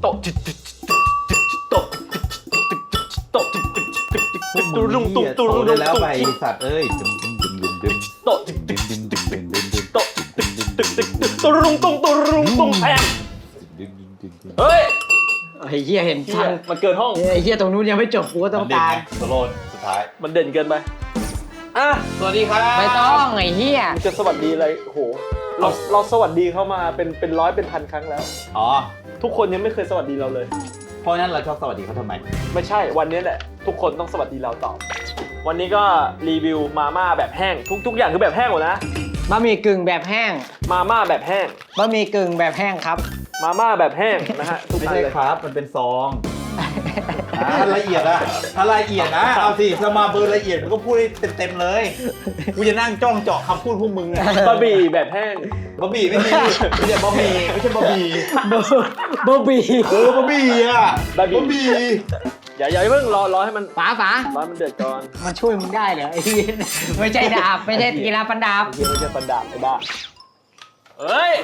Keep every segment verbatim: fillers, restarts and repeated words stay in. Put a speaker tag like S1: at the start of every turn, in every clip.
S1: โตะจิตจิตโตะโตะตุรุงตุงตุรุงตุงแล้วไปสัตว์เอ้ยดึมดึมดึมดึมดึมโตะจิตดึมดึมดึมดึมดึมดึมโตะจิตดึมดึมดึมดึมดึมตุรุงตุงตุรุงตุงแพงเฮ้ย
S2: ไอ้เหี้ยเห็นทัน
S1: มันเกินห้อง
S2: ไอ้เหี้ยตรงนู้นยังไม่จบกูก็ต้องการ
S1: สโลนสุดท้ายมันเด่นเกินไปอ่ะสวัสดีครับ
S2: ไม่ต้องไอ้เหี้ย
S1: จะสวัสดีอะไรโหเราเราสวัสดีเข้ามาเป็นเป็นร้อยเป็นพันครั้งแล้วอ๋อทุกคนยังไม่เคยสวัสดีเราเลยเพราะนั้นเราชอบสวัสดีเขาทำไมไม่ใช่วันนี้แหละทุกคนต้องสวัสดีเราตอบวันนี้ก็รีวิวมาม่าแบบแห้งทุกทุกอย่างคือแบบแห้งหมดนะ
S2: บะหมี่กึ่งแบบแห้ง
S1: มาม่าแบบแห้ง
S2: บะหมี่กึ่งแบบแห้งครับ
S1: มาม่าแบบแห้งนะฮะ
S3: ไม่ใช่ครับมันเป็นซองถ้าละเอียดอะถ้าละเอียดนะเอาสิถ้ามาเบอร์ละเอียดมันก็พูดได้เต็มๆเลยกูจะนั่งจ้องเจาะคำพูดพวกมึงอะ
S1: บะหมี่แบบแห้ง
S3: บะหมี่ไม่ใช่ไม่ใช่บะหมี่ไม่ใช่บะหมี่
S2: บะหมี่
S3: เออบะหมี่อะบะหมี่
S1: อย่าอย่าเพิ่งรอรอให้มัน
S2: ฝาฝา
S1: ร้อนมันเดือดก่อน
S2: มันช่วยมึงได้เหรอไอ้เหี้ยไม่ใช่ดาบไม่ใช่กีฬาฟันดาบ
S1: ไม่ใช่ฟันดาบไอ้บ้าเฮ้ย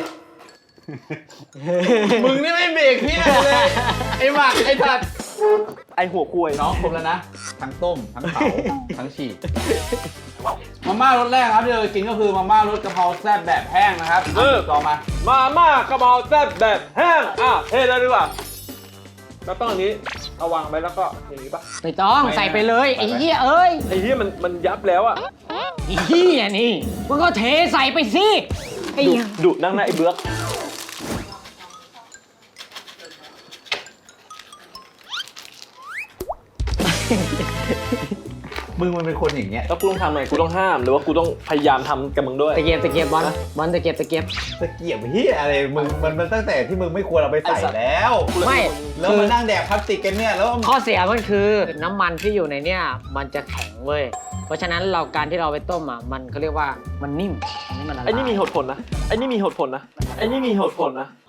S1: มึงนี่ไม่เบรกพี่เลยไอ้หมักไอ้ถัดไอ้หัวคุย
S3: น้องครบแล้วนะทั้งต้มทั้งเผาทั้งฉีกมาม่ารสแรกครับที่เรากินก็คือมาม่ารสกะเพราแซ่บแบบแห้งนะครับ
S1: เออ
S3: ต่อมา
S1: มาม่ากะเพราแซ่บแบบแห้งอ่ะเทเลยดีกว่าแล้วต้องอันนี้เอาวางไปแล้วก็อย่างนี้ปะ
S2: ไม่ต้องใส่ไปเลยไอ้เหี้ยเอ้ย
S1: ไอ้เหี้ยมันมันยับแล้วอ่ะ
S2: ไอ้เหี้ยนี่มึงก็เทใส่ไปสิไอ้
S1: ดุนั่งหน้าไอ้เบื้อก
S3: มึงมันเป็นคนอย่างเงี้ย
S1: แล้วกูต้องทำไงกูต้องห้ามหรือว่ากูต้องพยายามทำกับมึงด้วย
S2: ตะเกียบตะเกียบบอลบอลตะเกียบตะเกียบ
S3: ตะเกียบเฮียอะไรมึงมันมันตั้งแต่ที่มึงไม่ควรเอาไปใส่แล้ว
S2: ไม่
S3: แล้วมานั่งแดกพลาสติกกันเนี่ยแล้ว
S2: ข้อเสียมันคือน้ำมันที่อยู่ในเนี่ยมันจะแข็งเว้ยเพราะฉะนั้นเราการที่เราไปต้มอ่ะมันเขาเรียกว่ามันนิ่ม
S1: นี่มันไอ้นี่มีเหตุผลนะไอ้นี่มีเหตุผลนะไอ้นี่มีเหตุผลนะ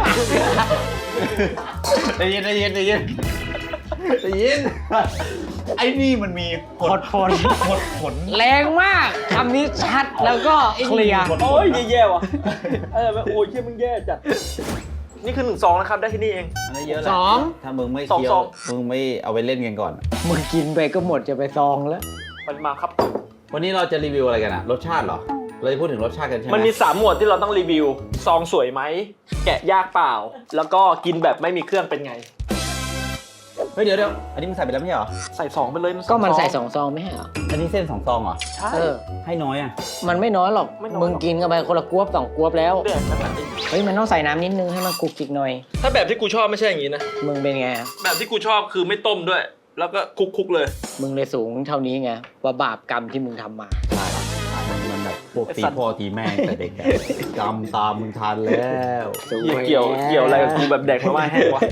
S3: ได้ยินได้ยินได้ยินได้ยินไอ้นี่มันมี
S2: ผลผล
S3: ผลผล
S2: แรงมากคำนี้ชัดแล้วก็เคลียร์
S1: โอ้ยแย่ว่ะเออโอ้ยเชี่ยมึงแย่จัดนี่คือหนึ่งซองนะครับได้ที่นี่เอง
S3: อันนี้เยอะเลย
S2: สอง
S3: ถ้ามึงไม่เคี้ยวมึงไม่เอาไปเล่นกันก่อน
S2: มึงกินไปก็หมดจะไปซองแล้ว
S1: มันมาครับ
S3: วันนี้เราจะรีวิวอะไรกันอะรสชาติเหรอเราจะพูดถึงรสชาติกันใช่ไหม
S1: มันมีสามหมวดที่เราต้องรีวิวซองสวยไหมแกะยากเปล่าแล้วก็กินแบบไม่มีเครื่องเป็นไง
S3: เฮ้ยเดี๋ยวเดี๋ยวอันนี้มึงใส่ไปแล้วไม่ใช่เหรอ
S1: ใส่สองไปเลย
S2: ก็มันใส่สองซองไม่ใช่เหรอ
S3: อันนี้เส้นสองซองเหรอ
S1: ใช่
S3: ให้น้อยอ่ะ
S2: มันไม่น้อยหรอกมึงกินกันไปคนละกวบสองกวบแล้วเฮ้ยมันต้องใส่น้ำนิดนึงให้มันกุกกิกหน่อย
S1: ถ้าแบบที่กูชอบไม่ใช่อย่างนี้นะ
S2: มึงเป็นไง
S1: แบบที่กูชอบคือไม่ต้มด้วยแล้วก็คุกคุกเลย
S2: มึงเลยสูงเท่านี้ไงว่าบาปกรรมที่มึงทำมา
S3: ใช่มันแบบพวกตีพ่อตีแม่แต่เด็กกรรมตามมึงทันแล้ว
S1: เกี่ยวเกี่ยวอะไรกับกูแบบแดกมาม่าแห้งวะ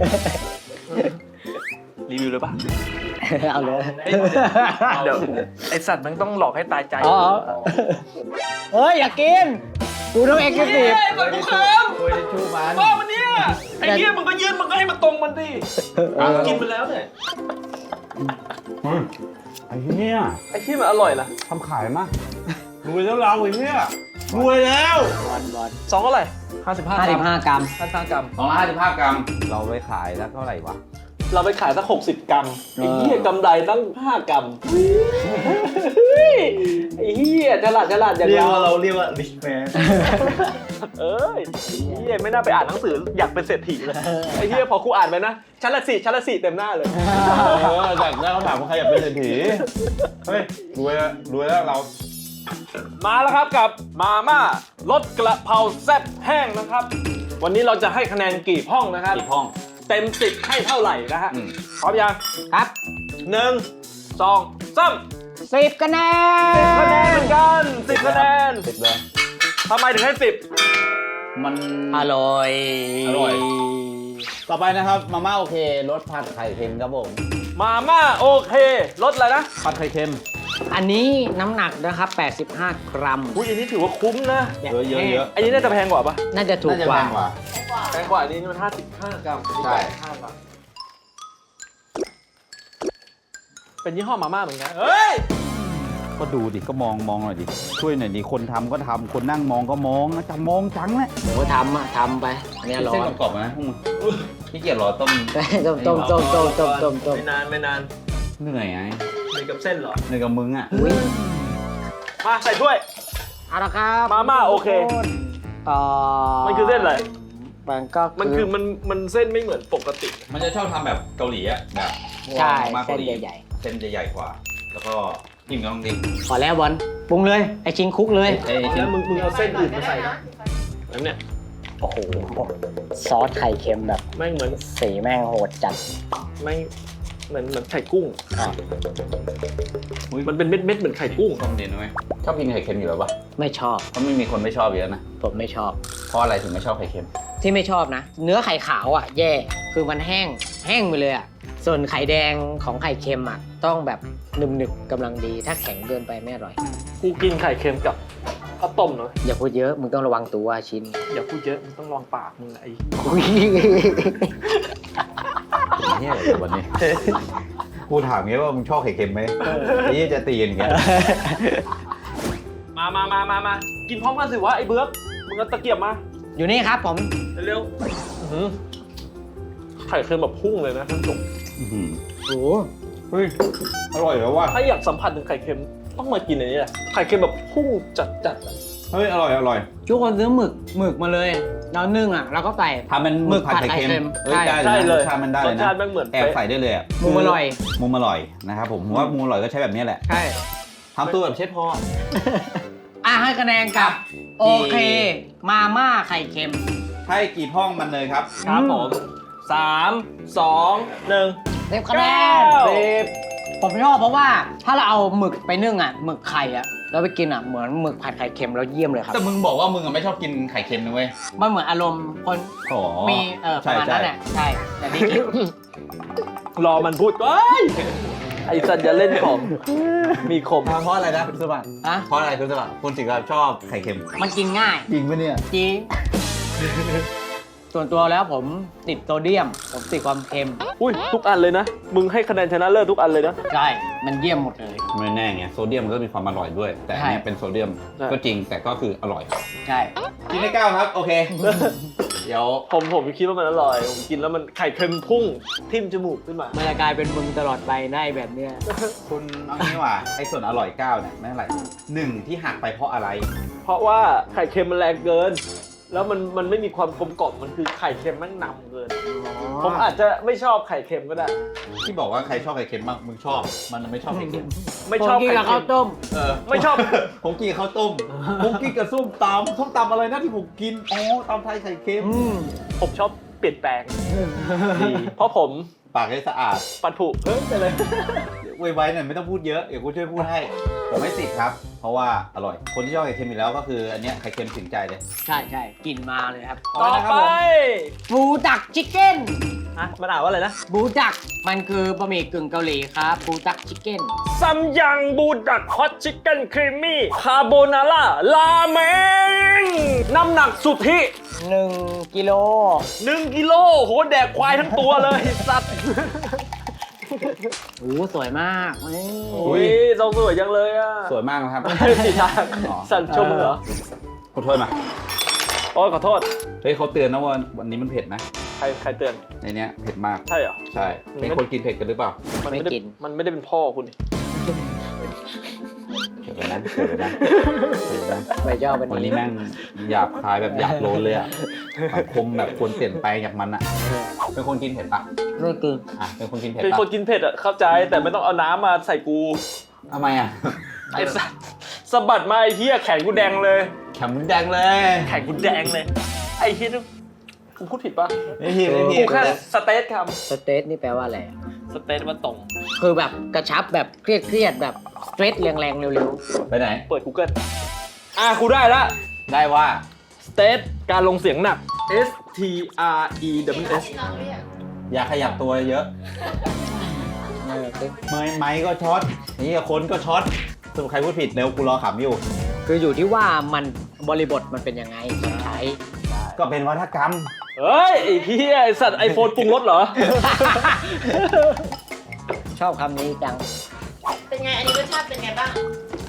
S1: รีวิวเลยป่ะ
S2: เอาเลย
S1: เดี๋ยวไอสัตว์มันต้องหลอกให้ตายใจ
S2: เฮ้ยอย่ากินกูต้องเอ็กซ์ตีฟ
S1: มันกูเคิม
S3: คุยในชูมัน
S1: บ้ามันเนี่ยไอ้เนี่ยมึงก็ยืนมึงก็ให้มันตรงมันดิกินไปแล้วเนี่ย
S3: ไอ้เนี่ย
S1: ไอ้ที่มันอร่อยนะ
S3: ทำขายมั้ยรวยแล้วเราไอ้เนี่ยรวยแล้ว
S1: สองเท่าไหร่ห้าสิบห้า
S2: ห้าสิบห้ากรัม
S1: ห้าสิบห้ากรัม
S3: สองร้อยห้าสิบห้ากรัมเราไปขายแล้วเท่าไหร่วะ
S1: เราไปขายสักหกสิบกรัมไอ้เหี้ยกำไรตั้งห้ากรัมไอ้เหี้ยฉลาดฉลาดอย่างเรา
S3: เราเรียกว่า rich man
S1: เอ้ยไอ้เหี้ยไม่น่าไปอ่านหนังสืออยากเป็นเศรษฐีเลยไอ้เหี้ยพอครูอ่านไปนะชั้นละสี่ชั้นละสี่เต็มหน้าเลย
S3: จากนั้นเขาถามว่าใครอยากเป็นเศรษฐีเฮ้ยรวยแล้วรวยแล้วเรา
S1: มาแล้วครับกับมาม่ารสกระเพราแซ่บแห้งนะครับวันนี้เราจะให้คะแนนกี่ห้องนะครับ
S3: กี่ห้อง
S1: เต็มสิบให้เท่าไหร่นะฮะพร้อมยัง
S2: ครับ
S1: หนึ่งสองสาม
S2: สิบคะแนน
S1: สิบคะแนนเหมือนกันสิบคะแนน
S3: สิบเลย
S1: ทำไมถึงให้สิบ
S3: มัน
S2: อร่อย
S3: อร่อยต่อไปนะครับมาม่าโอเครสผัดไข่เค็มครับผม
S1: มาม่าโอเครสอะไรนะ
S3: ผัดไข่เค็ม
S2: อันนี้น้ำหนักนะครับแปดสิบห้ากรัม
S1: อุ้ยอันนี้ถือว่าคุ้มนะ
S3: เยอะเยอะเยอะ
S1: อันนี้น่าจะแพงกว่าปะ
S2: น่าจะถูกกว่า
S1: แพงกว่าอันนี้มันห้าสิบห้ากรัม
S3: ใช่
S1: เป็นยี่ห้อมาม่าเหมือนกันเฮ้ยก็ดูดิก็มองมองหน่อยดิช่วยหน่อยดิคนทำก็ทำคนนั่งมองก็มองนะจะมองจังแหละ
S2: หมูทำอะทำไปอันเนี้ยร้อ
S1: เส้น
S2: น
S1: กรอบๆนะพวกมึงพี่เกียรรอต้ม
S2: ต้มต้มต้มต้มต้มต้มต้ม
S4: ไม่นานไม่นาน
S1: เหนื่อยไง
S4: เหมือนกับเส้นเหรอ
S1: เหนื่อยกับมึงอ่ะ
S2: อุ้ย
S4: มาใส่ถ้วย
S2: เอาละครับ
S4: มาม่าโอเค
S2: เอ่อ
S4: มันคือเส้นอะไร
S2: มันก็
S4: มันคือมันมันเส้นไม่เหมือนปกติ
S1: มันจะชอบทำแบบเกาหลีอ่ะแบบ
S2: ใช่
S1: มา
S2: เส้
S1: เกาน หลี
S2: ใหญ่
S1: เส้นจะใหญ่กว่า แล้วก็จิ้มกับน้องดิ
S2: ๆพอแล้วบอลปรุงเลยไอชิงคุกเลย
S1: เอ้ย
S4: แล้วมึงมึงเอาเส้นอื่นมาใส่นะแล้วเนี่ย
S2: โอ้โหซอสไข่เค็มแบบ
S4: แม่งเหมือน
S2: สีแม่งโหดจัด
S4: แม่งเหมือนเหมือนไข่กุ้ง
S2: อ่ะ
S1: อุ๊ย
S4: มันเป็นเม็ดเม็ดๆเหมือนไข่กุ้ง
S1: ต้มเด่นไหมชอบกินไข่เค็มอยู่แล้วปะ
S2: ไม่ชอบ
S1: เพราะไม่มีคนไม่ชอบเยอะนะ
S2: ผมไม่ชอบ
S1: เพราะอะไรถึงไม่ชอบไข่เค็ม
S2: ที่ไม่ชอบนะ เนื้อไข่ขาวอ่ะ แย่คือมันแห้งแห้งไปเลยอ่ะส่วนไข่แดงของไข่เค็มอ่ะต้องแบบหนึบๆกำลังดี ถ้าแข็งเกินไปไม่อร่อย
S4: กูกินไข่เค็มกับข้าวต้มเนาะ
S2: อย่าพูดเยอะมึงต้องระวังตัวชิ้น
S4: อย่าพูดเยอะมึงต้องลองปากมึงไอ้
S1: เนี่ยวันนี้ กูถามงี้ว่ามึงชอบไข่เค็มไหมไอ้ยี่จะตีกันอย่างเงี้ย
S4: มามามามามากินพร้อมกันสิวะไอ้เบื้อกมึงเอาตะเกียบมา
S2: อยู่นี่ครับผม
S4: เร็วๆอื้อหือไข่เค็มแบบพุ่งเลยนะท่านผู้ชม
S1: อื้อหือ
S2: โอ้
S1: เฮ้ยอร่อยแล้วว่ะ
S4: ถ้าอยากสัมผัสถึงไข่เค็มต้องมากินอันนี้แหละไข่เค็มแบบพุ่งจัดๆอะ
S1: เฮ้ยอร่อยอร่อย
S2: ทุกคนซื้อหมึกหมึกมาเลยเรานึ่งอ่ะแล้วก็ใส่
S1: ทำเป็นหมึกผัดไข่เค็มเอ้ยได้
S4: ใช่
S1: เลย
S4: เลย
S1: รสชาติมันได้
S4: ร
S1: เล
S4: ส
S1: ย
S4: ชา
S1: นะ
S4: ติแม่งเหมือน
S1: แอบ
S4: เป๊ะ
S1: ใส่ได้เลยอะ
S2: มุมอร่อย
S1: มุมอร่อยนะครับผมผมว่ามุมอร่อยก็ใช้แบบนี้แหละ
S2: ใช่
S1: ทำตัวแบบเชฟพอ
S2: อ่ะให้คะแนนกับ โอเค มาม่าไข่เค็ม
S1: ให้กี่ห้องมันเลยครับ
S4: ครับผมสามสองหนึ่ง
S2: เต็มคะแนน
S4: เก้า
S2: สิบผมชอบเพราะว่าถ้าเราเอาหมึกไปนึ่งอ่ะหมึกไข่อ่ะแล้วไปกินอ่ะเหมือนหมึกผัดไข่เค็มแล้วเยี่ยมเลยครับ
S1: แต่มึงบอกว่ามึงอะไม่ชอบกินไข่เค็มนะเว้ย
S2: มันเหมือนอารมณ์คน
S1: อ๋อ
S2: มีเออประมาณนั้นแหละใช่แต่นี่กิน
S4: รอมันพูดก่อนไอ้สัตว์อย่าเล่นของมีคม
S1: เพราะอะไรนะคุณสมบัติ
S2: ฮะ
S1: เพราะอะไรคุณสมบัติคุณถึงกับชอบไข่เค็ม
S2: มันกินง่าย
S1: จริงปะเนี่ย
S2: จริง ส่วนตัวแล้วผมติดโซเดียม ผมติดความเค็ม
S4: อุ้ยทุกอันเลยนะ มึงให้คะแนนชนะเลิศทุกอันเลยนะ
S2: ใช่ มันเยี่ยมหมดเลย
S1: ไม่แน่ไงโซเดียมมันก็มีความอร่อยด้วย แต่อันเนี้ย
S2: ใช่
S1: เป็นโซเดียม
S4: ใช่
S1: ก็จริงแต่ก็คืออร่อย
S2: ใช่
S1: กินได้เก้าครับโอเค เดี๋ยว
S4: ผมผมคิดว่ามันอร่อย ผมกินแล้วมันไข่เค็มพุ่งทิ่มจมูกขึ้นมา
S2: มันจะกลายเป็นมึงตลอดไปได้แบบเนี้ย
S1: คุณเอางี้ว่าไอ้ส่วนอร่อยเก้าเนี่ยไม่เท่าไหร่หนึ่งที่หักไปเพราะอะไร
S4: เพราะว่าไข่เค็มมันแรงเกิน แล้วมันมันไม่มีความกลมกล่อมมันคือไข่เค็มแม่งนำเกิน ผมอาจจะไม่ชอบไข่เค็มก็ได้
S1: ที่บอกว่าใครชอบไข่เค็มบ้างมึงชอบ มันไม่ชอบไข่เค็ม
S4: ไม่ชอบ
S2: ผมกิน
S4: ไข่
S2: กับ
S4: เค็
S2: ข้าว
S4: ม
S2: ต้ม
S1: เออ
S4: ไม่ชอบ
S1: ผมกินกับข้าวต้ม ผมกินกับส้มตำส้มตำอะไรนะที่ผมกิน อ๋อตำไทยไข่เค็ม
S2: อืม
S4: ผมชอบเปลี่ยนแปลงดีเพราะผม
S1: ปากให้สะอาด
S4: ปัดผุเฮ้ยอะไร
S1: เดี๋ยวไว้ๆหน่อยไม่ต้องพูดเยอะ เดี๋ยวกูช่วยพูดให้ ผมไม่ติดครับ เพราะว่าอร่อย คนที่ชอบไข่เค็มอยู่แล้วก็คืออันเนี้ยไข่เค็มถึงใจเลย
S2: ใช่ใช่กินมาเลยครับ
S4: ต่อไป
S2: บูดักชิคเก้น
S4: ฮะมันอ่านว่าอะไรนะ
S2: บูดัก มันคือบะหมี่กึ่งเกาหลีครับบูดักชิคเก้น
S4: ซัมยังบูดักฮอตชิคเก้นครีมมี่คาโบนาร่าราเมงน้ำหนักสุทธิ
S2: หนึ่งกิโล
S4: หนึ่งกิโลโหแดกควายทั้งตัวเลยสัตว์
S2: โอ้สวยมากเฮ้ย
S4: อุ้ยทรงสวยจังเลยอ่ะ
S1: สวยมากนะครับ
S4: สีทาง
S1: อ๋อ
S4: สันชมเหรอ
S1: ขอโทษมา
S4: โอ้ยขอโทษ
S1: เฮ้ยเขาเตือนนะว่าวันนี้มันเผ็ดนะ
S4: ใครใครเตือน
S1: ในเนี้ยเผ็ดมาก
S4: ใช่เหรอ
S1: ใช่ เป็นคนกินเผ็ดกันหรือเปล่า
S4: มันไม่ได้มันไม่ได้เป็นพ่อคุณนี่
S1: เดี๋ยวไปนะเดี๋ยวไปนะเดี๋ยวไปนะ
S2: ไปเจ้าเป็น
S1: วันนี้แม่งหยาบคายแบบหยาบโลนเลยอะสังคมแบบควรเปลี่ยนไปจากมันอะเป็นคนกินเผ็ดปะ
S2: ไม่กิน
S1: อ่ะเป็นคนกินเผ็ด
S4: เป็น
S1: ปะ
S4: คนกินเผ็ดอ่ะเข้าใจแต่ไม่ต้องเอาน้ำมาใส่กู
S1: ทำไมอะ
S4: ไอ้สัสสะบัดมาไอ้เหี้ยแขนกูแดงเลย
S1: แข็งแดงเลย
S4: แขนกูแดงเลย ไอ้เหี้ยนี่กูพูดผิดปะ
S1: ไม่ผิดไม่ผิ
S4: กู
S1: ด
S4: แค่สเตทค
S2: สเตทนี่แปลว่าอะไรอะ
S4: ำสเตทว่าตรง
S2: คือแบบกระชับแบบเครียดเครียดๆแบบสเตรทแรงๆเร็ว
S1: ไปไหน
S4: เปิด Google อ่ะกูได้ละ
S1: ได้ว่า
S4: สเตทการลงเสียงหนัก S T R E W S
S1: อย่าขยับตัวเยอะ
S2: ๆเออคือ
S1: ไม้ไม้ก็ช็อตนี่คนก็ช็อตสรุปใครพูดผิดเร็วกูรอขำอยู่
S2: คืออยู่ที่ว่ามันบริบทมันเป็นยังไงใช้
S1: ก็เป็นวัฒกรรม
S4: เฮ้ย ไอ้เหี้ยไอ้สัตว์ไอโฟนปรุงรสเหรอ
S2: ชอบคำนี้จัง
S5: เป็นไง อันนี้รสชาติเป็นไงบ้าง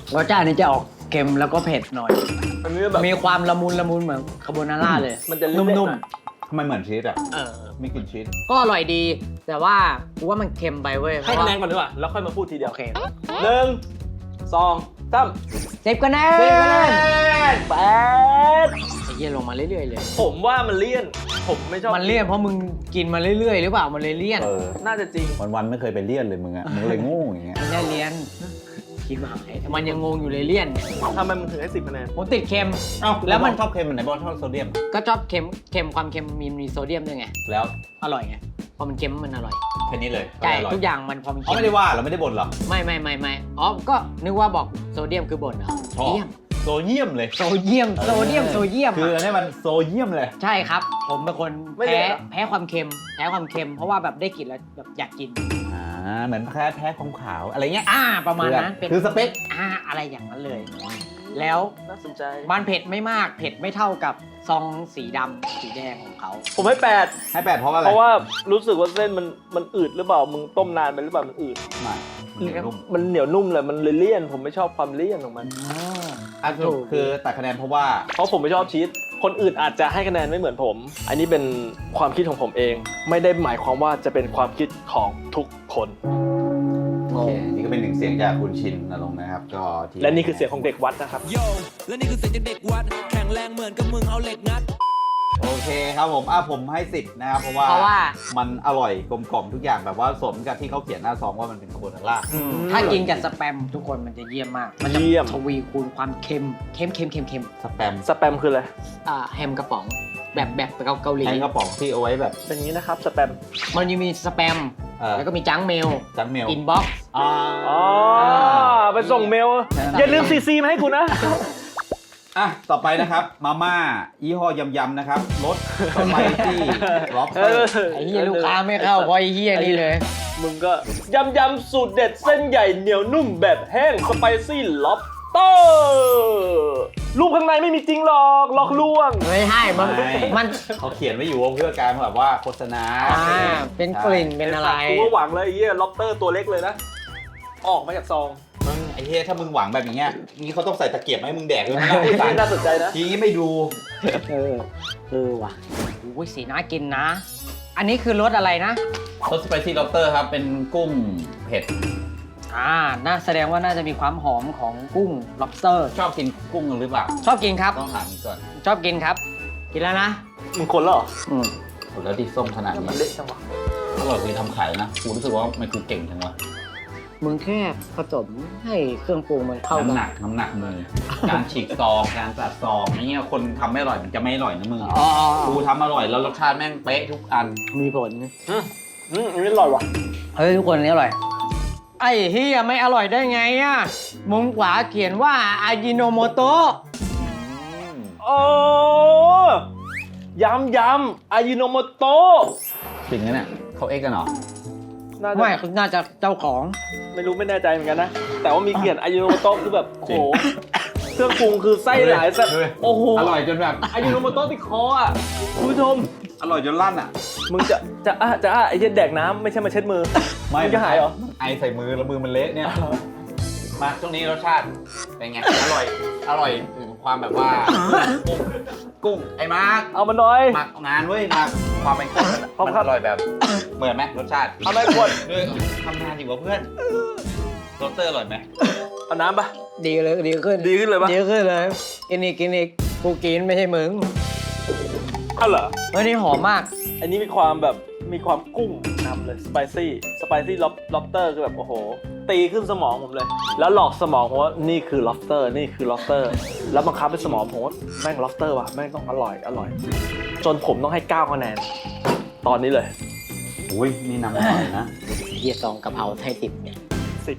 S2: รสชาตินี้จะออกเค็มแล้วก็เผ็ดหน่อย
S4: อันนี้แบบ
S2: มีความละมุนละมุนเหมือนคาโบนาร่าเลย
S4: มันจะเละๆ
S2: นุ่ม
S4: หน่อย
S3: ทำไมเหมือนชีสอ่ะ
S2: ๆเออ
S3: ไม่กินชีส
S2: ก็อร่อยดี แต่ว่ากูว่ามันเค็มไปเว้ย
S4: ให้คะแนนก่อนดีกว่าแล้วค่อยมาพูดทีเดียว
S2: โอเค
S4: หนึ่งสองสาม
S2: สิบคะแนน
S4: สิบคะแนนแปด
S2: ไอ้เหี้ยลงมาเรื่อยๆเลย
S4: ผมว่ามันเลี่ยน ผมไม่ชอบ
S2: มันเลี่ยนเพราะมึงกินมาเรื่อยๆหรือเปล่ามันเลยเลี่ยน
S3: เออ
S4: น่าจะจริง
S3: วันๆไม่เคยไปเลี่ยนเลยมึงอ่ะมึงเลยโง่อย่างเงี้ย
S2: ไม่ได้เลี่ยนคิดว่าหายมันยังงงอยู่เลยเลี่ยน
S4: ทำไมมึงถึงให้สิบคะแนน
S2: ผมติดเค็ม
S3: เอ้า
S2: แล้
S3: แล้ว
S2: วมั
S3: มัน นชอบเค็มมันไหนบอกชอบโซเดียม
S2: ก็ชอบเค็มเค็มความเค็มมีมีโซเดียมด้วยไง
S3: แล้ว
S2: อร่อยไงพอมันเค็มมันอร่อย
S3: แค่นี้เลย
S2: ใช่
S3: ร่
S2: ทุกอย่างมันพอมัน
S3: เขา
S2: เค็ม
S3: ไม่ได้ว่าเราไม่ได้บ่นหรอก
S2: ไม่ไม่ไม่ไม่อ๋อก็นึกว่าบอกโซเดียมคือบ่นเหรอ
S3: ชอบ
S2: เยี่ยม
S3: โซเยียมเลย
S2: โซเดียมโซเดียมโซเดียม
S3: คือ
S2: อะ
S3: อันนี้มันโซเยียมเลย
S2: ใช่ครับ ผมเป็นคน
S4: ไม่
S2: แพ้
S4: ได้เหรอ
S2: แพ้ความเค็มแพ้ความเค็มเพราะว่าแบบได้กลิ่นแล้วแบบอยากกิน
S3: อ่าเหมือนแพ้แพ้ความขาวอะไรเงี้ย
S2: อ่าประมาณนั้น
S3: คือสเปค
S2: อ่าอะไรอย่างนั้นเลย แล้ว
S4: น่าสนใจ
S2: มันเผ็ดไม่มากเผ็ดไม่เท่ากับซองสีดำสีแดงของเขา
S4: ผมให้แปด
S3: ให้แปดเพราะอะไร
S4: เพราะว่ารู้สึกว่าเส้นมันมันอืดหรือเปล่า มึงต้มนานไปหรือเปล่า มันอืด
S3: ไม่มันนุ่ม
S4: มันเหนียวนุ่มเลย มันเลยเลี่ยน ผมไม่ชอบความเลี่ยนของมัน
S3: อ่ะสรุปคือตัดคะแนนเพราะว่า
S4: เพราะผมไม่ชอบชีส คนอื่นอาจจะให้คะแนนไม่เหมือนผม อันนี้เป็นความคิดของผมเอง ไม่ได้หมายความว่าจะเป็นความคิดของทุกคน
S3: โอเคนี่ก็เป็นหนึ่งเสียงจากคุณชินนรงค์นะครับก็ที่
S4: และนี่คือเสียงของเด็กวัดนะครับ
S5: โยและนี่คือเสียงจากเด็กวัด แข็งแรงเหมือนกับมึงเอาเหล็กงัด
S3: โอเคครับผมอ่ะผมให้สิบนะครับเพราะว่า
S2: เพราะว่า
S3: มันอร่อยกลมกล่อมทุกอย่างแบบว่าสมกับที่เขาเขียนหน้าซองว่ามันเป็นคาโบนาร่า
S2: ถ้ากินกับสแปมทุกคนมันจะเยี่ยมมาก มันจะ
S4: เยี่ยม
S2: ทวีคูณความเค็มเค็มเค็มเค็มเค็ม
S3: สแปม
S4: สแปมคืออะไร
S2: อ่าแฮมกระป๋องแบบแบบเกาเกาหลี
S3: แทงกระป๋องที่เอาไว้แบบ
S4: เป็นอย่างนี้นะครับ สแปม
S2: มันจะมีสแปม
S3: เอ่อ
S2: แล้วก็มีจังเมล
S3: จังเมล
S2: อินบ็อกซ์
S3: อ่า
S4: อ๋อ ไปส่งเมล
S3: แค่นั้น
S4: อย่าลืมซีซีมาให้กูนะ
S3: อ่ะต่อไปนะครับมาม่ายี่ห้อยำยำนะครับรสสไปซี่ล็อบสเต
S4: เอ
S3: อ
S4: อ
S3: ร์
S2: ไอ้เหี้ยลูกค้าไม่เข้าเพราะไอ้เหี้ยนี่เลย
S4: มึงก็ยำยำสูตรเด็ดเส้นใหญ่เหนียวนุ่มแบบแห้งสไปซี่ล็อบเตอร์รูปข้างในไม่มีจริงหรอกหลอกลวง
S2: ไม่ใช่มันมัน
S3: เขาเขียนไว้อยู่ว่าเพื่อการแบบว่าโฆษณา
S2: อ่าเป็นกลิ่นเป็นอะไร
S4: กูก็หวังเลยไอ้เหี้ยล็อบเตอร์ตัวเล็กเลยนะ ออกมาจากซอง
S3: มึงไอ้เฮ้ยถ้ามึงหวังแบบอย่างเงี้ยนี่เขาต้องใส่ตะเกียบมาให้มึงแดกเลยนะผู้
S4: ที่
S3: สาร
S4: น่าสนใจนะ
S3: ทีนี้ไม่ดู
S2: เออเออว่ะโอ้ยสีน่ากินนะ อันนี้คือรสอะไรนะ
S3: รสสไปซี่ล็อบสเตอร์ครับเป็นกุ้งเผ็ด
S2: อ่า น่าแสดงว่าน่าจะมีความหอมของกุ้ง lobster
S3: ชอบกินกุ้งหรือเปล่า
S2: ชอบกินครับ
S3: ต้องถามก่อน
S2: ชอบกินครับ กินแล้วนะ
S4: มึงคนแล้วเหรอ
S2: อืม
S3: โหแล้วที่ส้มขนาด
S4: มัน
S3: นี้
S4: เละจังวะ
S3: อร่อยคือทำขายนะกูรู้สึกว่ามันคือเก่งจังวะ
S2: มึงแค่ผสมให้เครื่องปรุงมันเข้ากั
S3: น้ำหนักน้ำหนักมือ การฉีกซองการตัดซองอะไรเงี้ยคนทำไม่อร่อยมันจะไม่อร่อยนะมึง
S2: อ๋อ
S3: กูทำอร่อยแล้วรสชาติแม่งเป๊ะทุกอัน
S2: มีผล
S4: อืมอืมอันนี้อร่อยว่ะ
S2: เฮ้ยทุกคนอันนี้อร่อย ไอ้เฮียไม่อร่อยได้ไงอ่ะ มุมขวาเขียนว่าอาจิโนโมโตะ
S4: โอ้ยำยำอายิโนโมโตะ
S3: จริงนะเนี่ยเขาเอ็กกันเหรอ
S4: น่าจะ
S2: ไม่คือน่าจะเจ้าของ
S4: ไม่รู้ไม่แน่ใจเหมือนกันนะ แต่ว่ามีเขียนอายิโนโมโตะคือแบบโอ้โหเครื่องปรุงคือไส้หลายสัตว์
S3: เฮ้ย
S4: โอ้โห
S3: อร่อยจนแบบ
S4: อายิโนโมโตะติดคออ่ะคุณผู้ชม
S3: อร่อยจนลั่นอ่ะ
S4: มึงจะจะอ่ะจะอ่ะไอ้เหี้ยแดกน้ำไม่ใช่มาเช็ดมือ
S3: ไม่
S4: มึงจะหายเหรอ
S3: ไอใส่มือแล้วมือมันเละเนี่ย มาช่วงนี้รสชาติเป็นไง อร่อย อร่อยถึงความแบบว่า กุ้งกุ้งไอ้มาร์ค
S4: เอามาหน่อย
S3: หมักงานเว้ยมาความเป็นกุ้ง
S4: ขอบ
S3: มัน
S4: คุณครับ
S3: อร่อยแบบ เหมือนไหมรสชาติ
S4: เอาไหมขวด
S3: ด้วยทำงานอยู่กับเพื่อนโรสเตอร์อร่อยไหม
S4: เอาน้ำปะ
S2: ดีเลยดีขึ้น
S4: ดีขึ้นเลยปะ
S2: ดีขึ้นเลย กินอีกกินอีกกูกินไม่ใช่มึง
S4: เอาเหรอ
S2: เฮ้ยนี่หอมมาก
S4: อันนี้มีความแบบมีความกุ้งนำเลยสไปซี่สไปซี่ล็อบล็อบเตอร์คือแบบโอ้โห ตีขึ้นสมองผมเลย แล้วหลอกสมองผมว่านี่คือล็อบสเตอร์นี่คือล็อบสเตอร์แล้วบังคับให้สมองผมว่าแม่งล็อบสเตอร์ว่ะแม่งต้องอร่อยอร่อย จนผมต้องให้เก้าคะแนน ตอนนี้เลย
S3: อุ้ยนี่นำอร่อยนะ
S2: เฮียซองกะเพราไทยติดเนี่ย
S4: สิบ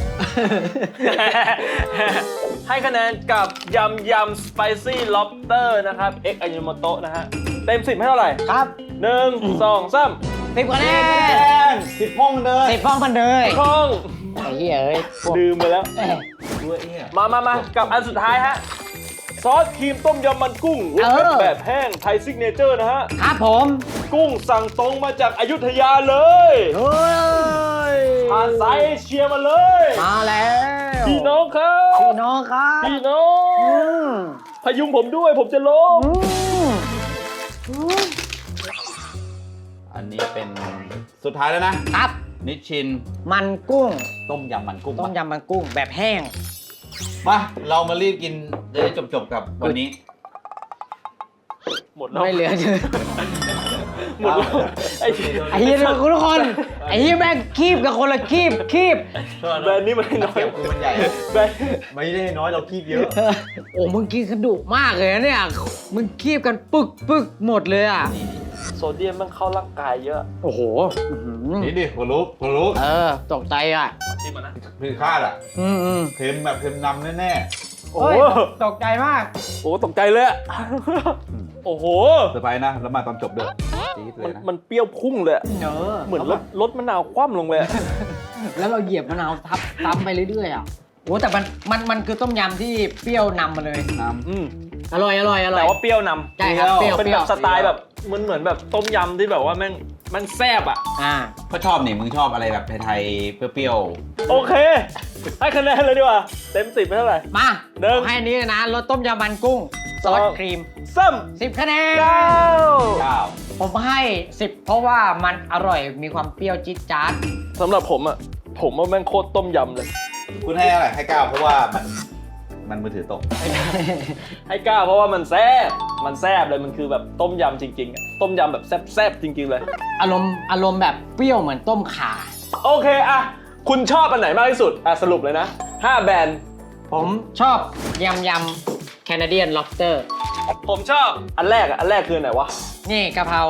S4: ให้คะแนนกับยำยำสไปซี่ล็อบสเตอร์นะครับเอ็กอายุโมโตะนะฮะเต็มสิบให้เท่าไหร่
S2: ครับ
S4: หนึ่งสองสาม
S2: สิบคะแนน
S3: สิบห้องเลย
S2: สิบฟ้องพันเลย
S4: คล่อง
S2: ไอ้เหี้ยเอ้ยพวก
S4: ดื่มไปแล้ว
S2: เอ้ย
S3: ด้วยเอี้ย
S4: มามามากับอันสุดท้ายฮะ ซอสครีมต้มยำมันกุ้งรสเผ็ดแบบแห้งไทยซิกเนเจอร์นะฮะ
S2: ครับผม
S4: กุ้งสั่งตรงมาจากอยุธยาเลย
S2: เฮ้ย
S4: ผ่านสายเอเชียมาเลย
S2: มาแล้วว
S4: พี่น้องครับ
S2: พี่น้องครับ
S4: พี่น้อ
S2: อื
S4: ง
S2: ม
S4: พยุงผมด้วยผมจะล้ม
S2: อืม
S3: อันนี้เป็นสุดท้ายแล้วนะ
S2: ครับ
S3: นิชชิน
S2: มันกุ้ง
S3: ต้มยำมันกุ้ง
S2: ต้มยำมันกุ้งแบบแห้ง
S3: มาเรามารีบกินจะได้จบๆกับวันนี้
S4: หมดแล้ว
S2: ไม่เหลือเลย
S4: หมดแล้วไอ้
S2: ไอ้เหี้ยทุกคนไอ้เหี้ยแม่งคีบกับคนละคีบคีบ
S4: แบรนด์นี้มันน้อย
S3: เกี่ยวคือมันใหญ่
S4: แบรนด์
S3: ไม่ได้น้อยเราคีบเยอะ
S2: โอ้มึงกินกระดูกมากเลยนะเนี่ยมึงคีบกันปึกปึกหมดเลยอ่ะ
S4: โซเดียมมันเข้าร่างกายเยอะ
S2: โอ้โหอื้อหือ
S3: นี่ดิหัวลุกหัวลุก
S2: เออตกใจอ่ะ
S4: ชิมมานะ
S3: คือคาดอ่ะ
S2: อืมอืม
S3: เค็มแบบเค็มนำแน่
S4: โอ้
S2: โอ้
S4: โห
S2: ยตกใจมาก
S4: โอ้โหตกใจเลยอะโอ้โห
S3: ๆเซอร์ไพรส์นะ แล้วมาตอนจบด้วยจี๊ดเล
S4: มัน
S3: ยนะ
S4: มันเปรี้ยวพุ่งเลยอะ
S2: เนอ
S4: เหมือนรถรถมะนาวคว่ำลงเลยอะ
S2: แล้วเราเหยียบมะนาวทับทับไปเรื่อยๆอ่ะโอ้แต่มันมันมันคือต้มยำที่เปรี้ยวนำมาเลย
S3: น้
S4: อืม
S2: อร่อยอร่อยอร่อย
S4: แต่ว่าเปรี้ยวนำ
S2: ใช่ครับเปรี้ยว
S4: เป็น
S2: เปรี้
S4: แบ
S2: ยว
S4: บสไตล์แบบมันเหมือนแบบต้มยำที่แบบว่าแม่งมันแซ่บอ่ะ
S2: อ่า
S3: ำก็ชอบนี่มึงชอบอะไรแบบไทยๆ เปรี้ยว
S4: โอเค ให้คะแนนเลยดีกว่า เต็มสิบไปเท่าไหร่
S2: มา
S4: หนึ่ง
S2: ขอให้อันนี้เลยนะรสต้มยำมันกุ้งซอส
S4: สอง
S2: ครีม
S4: ซ้
S2: สิบคะแนน
S4: ำเก้า
S3: ๆเก้า
S2: ผมให้สิบเพราะว่ามันอร่อยมีความเปรี้ยวจี๊ดจ๊าด
S4: สำหรับผมอ่ะ ผมว่าแม่งโคตรต้มยำเลย
S3: คุณให้อะไรให้เก้าเพราะว่ามันมันมือถือตก
S4: ให้เก้าเพราะว่ามันแซ่บมันแซ่บเลยมันคือแบบต้มยำจริงๆอะต้มยำแบบแซ่บๆจริง ๆเลย
S2: อารมณ์อารมณ์แบบเปรี้ยวเหมือนต้มข่า
S4: โอเคอะคุณชอบอันไหนมากที่สุดอะสรุปเลยนะห้าแบรนด์
S2: ผมชอบยำยำแคนาเดียนล็อบสเตอร์
S4: ผมชอบอันแรกอะอันแรกคืออันไหนวะ
S2: นี่กะเพราก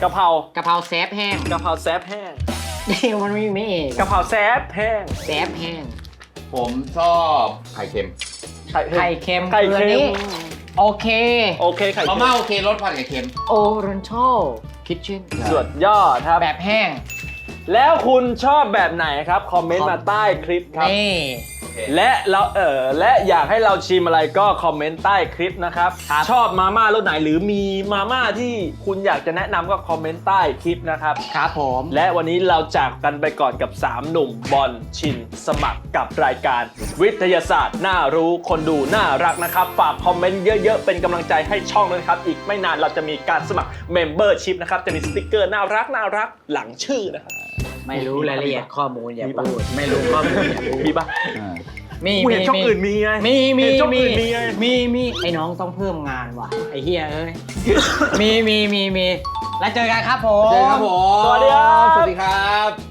S4: ะเพราก
S2: ะเพราแซฟแห้ง
S4: กะเพราแซ่บแห้ง
S2: นี่มันไม่ไม่เอง
S4: กะเพราแซ่บแห้ง
S2: แซฟแห้ง
S3: ผมชอบไข่เค็ม
S4: ไข่
S2: ไข่เค็ม
S4: ไข่
S2: คืออัน
S4: เค็
S2: นี้
S4: ม
S2: โอเค
S4: โอเคไข่
S3: มา
S4: เค็ม
S3: ม่าโอเครสผัดไข่เค็ม
S2: โอรันชัลคิทเช่น
S4: สุดยอดครับ
S2: แบบแห้ง
S4: แล้วคุณชอบแบบไหนครับ คอมเมนต์มาใต้คลิปครับ
S2: นี่
S4: และเราเออและอยากให้เราชิมอะไรก็คอมเมนต์ใต้คลิปนะครับ
S2: ครับ
S4: ชอบมาม่ารสไหนหรือมีมาม่าที่คุณอยากจะแนะนำก็คอมเมนต์ใต้คลิปนะครับ
S2: ครับผม
S4: และวันนี้เราจากกันไปก่อนกับ สาม หนุ่มบอลชินสมัครกับรายการ วิทยาศาสตร์น่ารู้คนดูน่ารักนะครับ ฝากคอมเมนต์เยอะๆ เป็นกำลังใจให้ช่องด้วยนะครับ อีกไม่นานเราจะมีการสมัคร Membership นะครับ จะมีสติกเกอร์น่ารักน่ารักหลังชื่อนะครับ
S2: ไม่รู้รายละเอียดข้อมูลอย่า
S4: มีปะ
S2: พูดไม่รู้ข้อมูลอย่าพูด
S4: มีปะ
S2: มี
S4: กูเห็นช่องอื่นมีไง
S2: มีมี
S4: เห็นช่อง
S2: มี
S4: อื่นมีไง
S2: มีมีไอ้น้องต้องเพิ่มงานว่ะไอ้เฮียเอ้ย มีมีมีมีแล้วเจอกันครับผม
S3: เจอกันครับผม
S4: สวัสดีครับ
S3: สวัสดีครับ